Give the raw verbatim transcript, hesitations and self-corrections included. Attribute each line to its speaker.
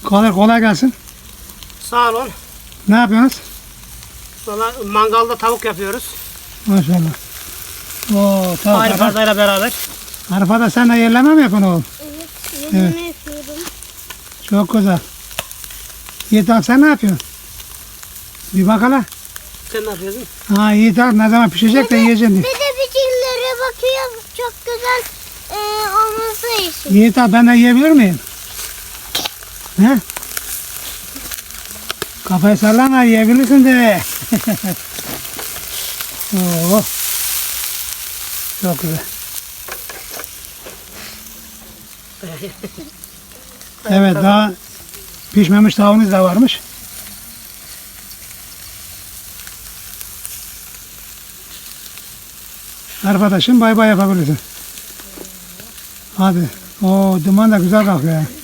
Speaker 1: Kolay kolay gelsin.
Speaker 2: Sağ olun.
Speaker 1: Ne yapıyorsunuz?
Speaker 2: Valla mangalda tavuk yapıyoruz.
Speaker 1: Maşallah. Oo, tamam.
Speaker 2: Arif
Speaker 1: Arif,
Speaker 2: Arda'yla beraber.
Speaker 1: Arifa'da sen de yerleme mi yapıyorsun oğlum?
Speaker 3: Evet, yemeğimi yapıyorum.
Speaker 1: Çok güzel. Yiğit abi sen ne yapıyorsun? Bir bak hele.
Speaker 2: Sen ne yapıyorsun?
Speaker 1: Ha Yiğit abi ne zaman pişecek de yiyeceğim diye.
Speaker 3: Bir de biçimlere bakıyor. Çok güzel e, olması için.
Speaker 1: Yiğit abi ben de yiyebilir miyim? He? Kafayı sallama yiyebilirsin de. Oo. Çok güzel. Evet daha pişmemiş tavuğunuz da varmış. Arkadaşım bay bay yapabilirsin. Hadi. O duman da güzel kalkıyor.